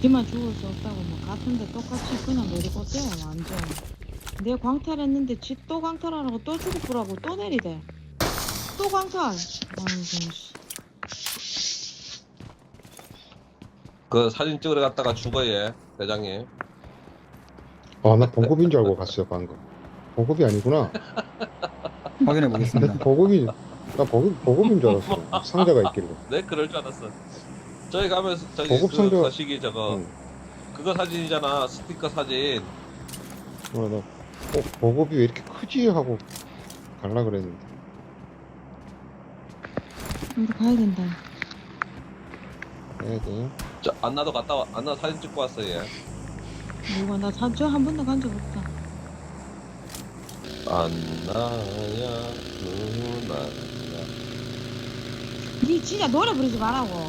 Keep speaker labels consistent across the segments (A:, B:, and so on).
A: 지만 죽을 수 없다고 뭐 같은데 똑같이 그냥 내리고 떼요 완전. 내 광탈했는데 지 또 광탈하라고 또 죽을거라고 또 내리대. 또 광탈. 아이고 씨.
B: 그 사진 찍으러 갔다가 죽어 얘 대장님.
C: 아, 나 보급인 줄 알고 갔어요, 방금. 보급이 아니구나.
D: 확인해 보겠습니다.
C: 보급인 줄 알았어. 상자가 있길래.
B: 네 그럴 줄 알았어. 저희 가면서 저기
C: 보급
B: 그
C: 상자-
B: 거시기 저거
C: 응.
B: 그거 사진이잖아 스티커 사진.
C: 나 보급이 왜 이렇게 크지? 하고 갈라 그랬는데.
A: 우리 가야 된다.
C: 해야 돼.
B: 저 안나도 갔다 와. 안나 사진 찍고 왔어 얘.
A: 누가 나 저 한 번도 간 적 없다.
B: 안나야 누나야.
A: 니 진짜 노래 부르지 말라고.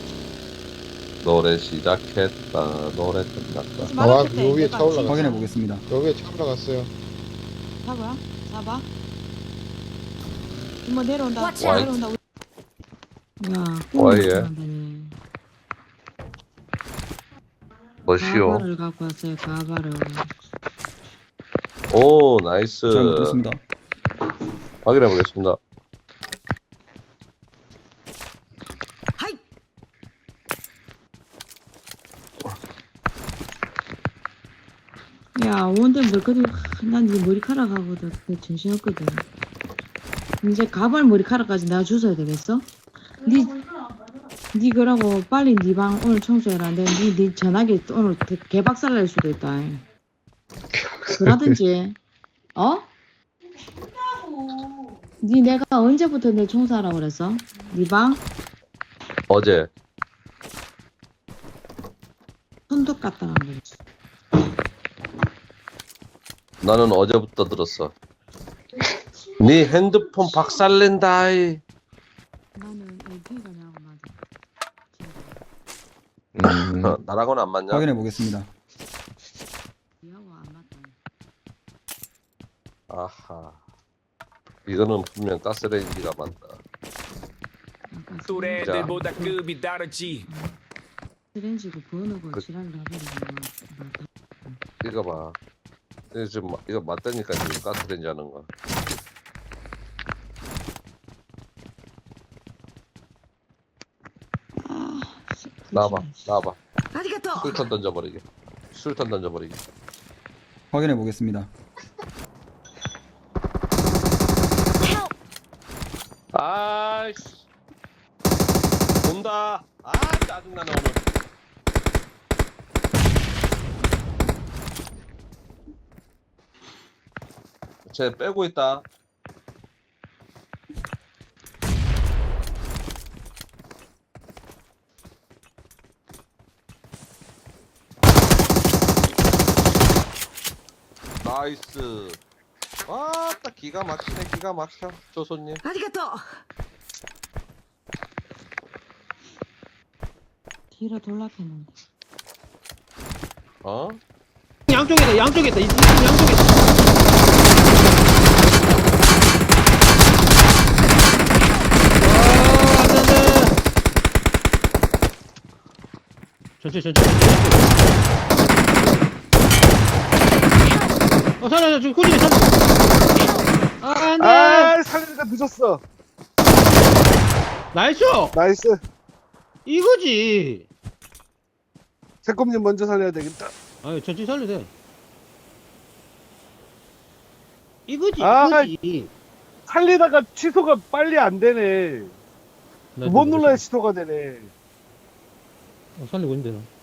B: 노래 시작했다 노래 끝났다.
A: 하지
C: 아,
A: 말았겠다,
C: 요 위에
A: 내가
C: 차 올라가.
A: 진짜.
D: 확인해 보겠습니다.
C: 여기에 차 올라갔어요.
A: 잡아? 잡아? 뭐 내려온다.
B: Watch out.
A: 내려온다. 야,
B: 와예.
A: 꿈을
B: 뭐시오?
A: 가발을 갖고 왔어요. 가발을.
B: 오 나이스.
D: 잘못했습니다.
B: 확인해 보겠습니다.
A: 야, 원대 머리카락, 난네 머리카락하고도 정신없거든. 이제 가발 머리카락까지 내가 주워야 되겠어? 니 그러고 빨리 니 방 오늘 청소해라. 니 전화기 오늘 개박살 날 수도 있다. 그러든지, 어? 니 내가 언제부터 내 청소하라고 그랬어? 니 방?
B: 어제
A: 손톱 갖다 놔 그랬어.
B: 나는 어제부터 들었어. 네 핸드폰 박살낸다이.
A: 나는 LP가 나고 맞아.
B: 나랑은 안 맞냐?
D: 확인해 보겠습니다.
A: 니하고 안 맞다.
B: 아하. 이거는 분명 가스레인지가 맞다.
A: 아까
E: 또래들보다 급이 다르지.
A: 스렌지고 번호고
B: 그-
A: 지랄을 해버리고 맞다.
B: 이거 봐. 이거 지금 이거 맞다니까 지금 가스레인지 하는 거. 나와봐, 나와봐. 술탄 던져버리게. 술탄 던져버리게.
D: 확인해 보겠습니다.
B: 아이씨. 온다. 아 짜증나네 오늘. 쟤 빼고 있다. 나이스. 와, 딱 기가 막히네, 기가 막혀. 조손님.
A: 뒤로 돌락했는데.
B: 어?
F: 양쪽에다 양쪽에다 이 양쪽에다. 천천히. 살려 지금 꾸준히 살려. 안돼.
G: 아, 살리니까 늦었어.
F: 나이스.
G: 나이스.
F: 이거지.
G: 새콤님 먼저 살려야 되겠다.
F: 아유 천천히 살려 돼. 이거지.
G: 아,
F: 이거지.
G: 살리다가 취소가 빨리 안 되네. 두 번 눌러야 취소가 되네.
F: 살리고 있는데 나.